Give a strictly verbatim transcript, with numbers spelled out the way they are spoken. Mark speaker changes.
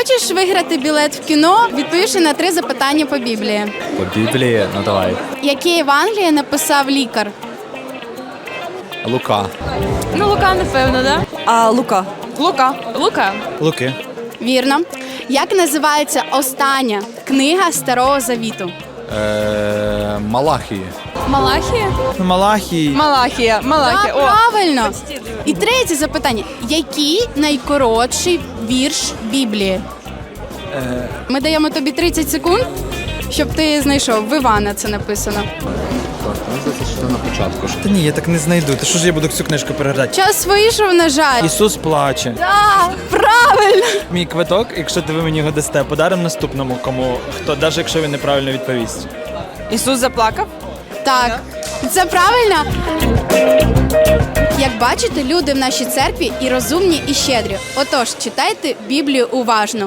Speaker 1: Хочеш виграти білет в кіно, відповівши на три запитання по Біблії?
Speaker 2: По Біблії? Ну давай.
Speaker 1: Яке Євангеліє написав лікар?
Speaker 2: Лука.
Speaker 3: Ну, Лука, напевно, да?
Speaker 4: А Лука.
Speaker 3: Лука. Лука.
Speaker 5: Луки.
Speaker 1: Вірно. Як називається остання книга Старого Завіту?
Speaker 2: Е, Малахії.
Speaker 3: Малахія?
Speaker 5: Ну, Малахій.
Speaker 3: Малахія. Малахія.
Speaker 1: Так,
Speaker 3: О.
Speaker 1: правильно. І третє запитання. Який найкоротший вірш Біблії? Ми даємо тобі тридцять секунд, щоб ти знайшов. В Івана це написано.
Speaker 2: Що на початку?
Speaker 5: Та ні, я так не знайду. Та що ж я буду цю книжку переглядати?
Speaker 1: Час вийшов, на жаль.
Speaker 5: Ісус плаче.
Speaker 1: Так, правильно.
Speaker 5: Мій квиток, якщо ви мені його дасте, подаримо наступному, кому хто, навіть якщо він неправильно відповість.
Speaker 3: Ісус заплакав?
Speaker 1: Так, це правильно. Як бачите, люди в нашій церкві і розумні, і щедрі. Отож, читайте Біблію уважно.